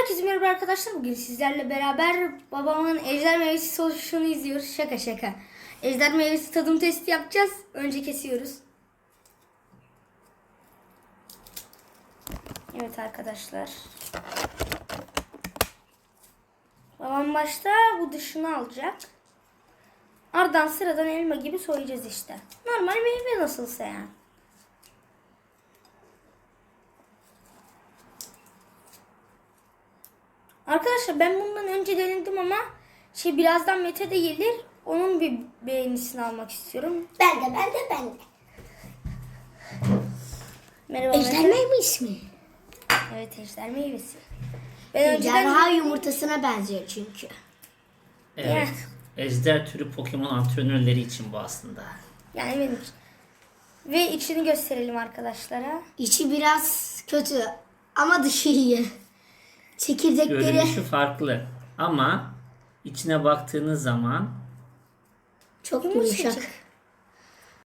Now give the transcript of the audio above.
Herkese merhaba arkadaşlar. Bugün sizlerle beraber babamın ejder meyvesi sonuçunu izliyoruz. Şaka şaka. Ejder meyvesi tadım testi yapacağız. Önce kesiyoruz. Evet arkadaşlar. Babam başta bu dışını alacak. Ardından sıradan elma gibi soyacağız işte. Normal meyve nasılsa yani. Arkadaşlar ben bundan önce denedim ama birazdan Mete de gelir. Onun bir beğenisini almak istiyorum. Ben de. Merhaba Ejder Mete. meyvesi mi? Evet, ejder meyvesi. Ben Ejderha yumurtasına benziyor çünkü. Evet. Ejder türü Pokemon antrenörleri için bu aslında. Yani benim için. Ve içini gösterelim arkadaşlara. İçi biraz kötü ama dışı iyi. Çekirdekleri Görünüşü farklı ama içine baktığınız zaman çok yumuşak.